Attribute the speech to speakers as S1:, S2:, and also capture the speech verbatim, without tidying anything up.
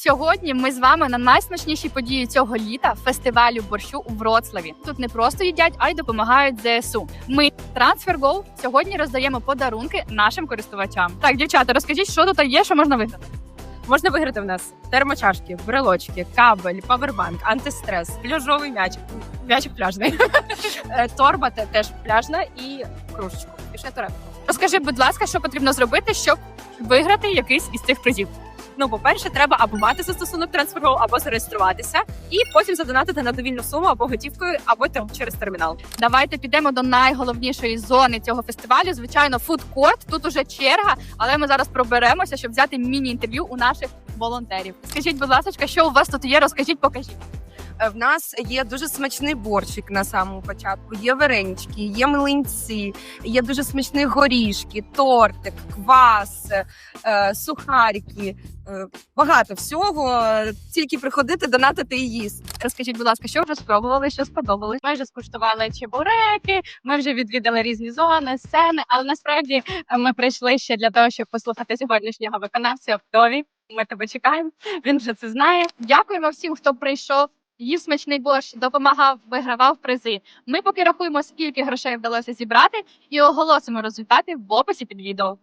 S1: Сьогодні ми з вами на найсмачнішій події цього літа фестивалю борщу у Вроцлаві. Тут не просто їдять, а й допомагають ЗСУ. Ми TransferGo сьогодні роздаємо подарунки нашим користувачам. Так, дівчата, розкажіть, що тут є, що можна виграти?
S2: Можна виграти в нас термочашки, брелочки, кабель, павербанк, антистрес, пляжовий м'яч, м'ячик пляжний, Е, торба те- теж пляжна і кружечку. І ще турепку.
S1: Розкажи, будь ласка, що потрібно зробити, щоб виграти якийсь із цих призів.
S2: Ну, по-перше, треба або мати застосунок TransferGo, або зареєструватися, і потім задонатити на довільну суму або готівкою, або те- через термінал.
S1: Давайте підемо до найголовнішої зони цього фестивалю. Звичайно, фудкорт. Тут уже черга, але ми зараз проберемося, щоб взяти міні-інтерв'ю у наших волонтерів. Скажіть, будь ласка, що у вас тут є? Розкажіть, покажіть.
S3: Е, В нас є дуже смачний борщик на самому початку. Є варенички, є млинці, є дуже смачні горішки, тортик, квас, е, сухарики. Е, багато всього. Тільки приходити, донатити і їсти.
S1: Розкажіть, будь ласка, що вже спробували, що сподобалось?
S4: Ми вже скуштували чебуреки, ми вже відвідали різні зони, сцени, але насправді е, ми прийшли ще для того, щоб послухати сьогоднішнього виконавця Вдові. Ми тебе чекаємо. Він вже це знає.
S1: Дякуємо всім, хто прийшов, їв смачний борщ, допомагав, вигравав призи. Ми поки рахуємо, скільки грошей вдалося зібрати, і оголосимо результати в описі під відео.